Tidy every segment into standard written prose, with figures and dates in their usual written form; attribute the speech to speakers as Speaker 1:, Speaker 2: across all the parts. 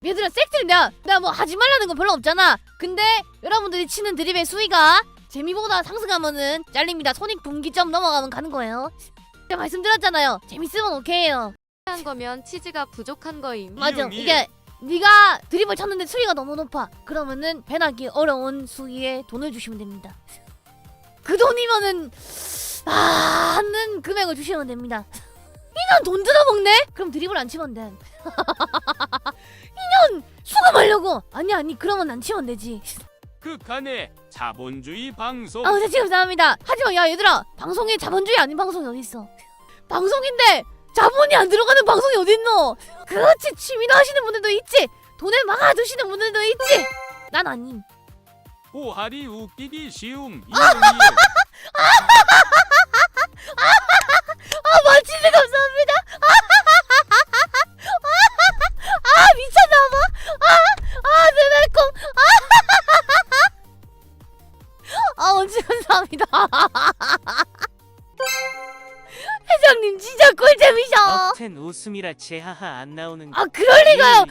Speaker 1: 얘들아 섹트를 내가 뭐 하지 말라는 건 별로 없잖아. 근데 여러분들이 치는 드립의 수위가 재미보다 상승하면은 잘립니다. 손익 분기점 넘어가면 가는 거예요. 제가 말씀드렸잖아요. 재밌으면 오케이예요.
Speaker 2: 한 거면 치즈가 부족한 거임.
Speaker 1: 맞아.
Speaker 3: 이응.
Speaker 1: 이게 네가 드립을 쳤는데 수위가 너무 높아. 그러면은 배나기 어려운 수위에 돈을 주시면 됩니다. 그 돈이면은 하는 금액을 주시면 됩니다. 이년 돈 들어먹네? 그럼 드립을 안 치면 돼. 이년 수금하려고. 아니 그러면 안 치면 되지.
Speaker 3: 극한의 자본주의 방송.
Speaker 1: 아, 네, 감사합니다. 하지만 야 얘들아, 방송에 자본주의 아닌 방송이 어딨어? 방송인데 자본이 안 들어가는 방송이 어딨노? 그렇지, 취미로 하시는 분들도 있지. 돈을 막아두시는 분들도 있지. 난 아님.
Speaker 3: 보활이 웃기기 쉬움.
Speaker 1: 멋지네, 감사합니다. 미쳤나봐. 내 달콤. 멋지, 감사합니다. 회장님 진짜 꿀잼이셔.
Speaker 4: 억텐 웃음이라 제하하 안 나오는
Speaker 1: 그럴리가요.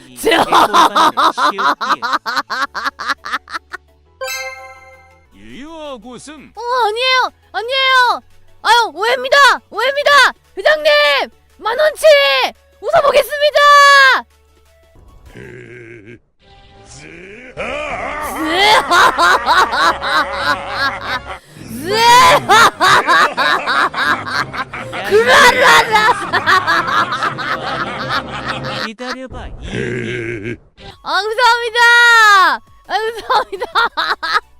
Speaker 3: 유유억 웃음.
Speaker 1: 아니에요. 아유, 오해입니다. 회장님, 만원치 웃어보겠습니다.
Speaker 4: 기다려봐.
Speaker 1: 감사합니다. 감사합니다.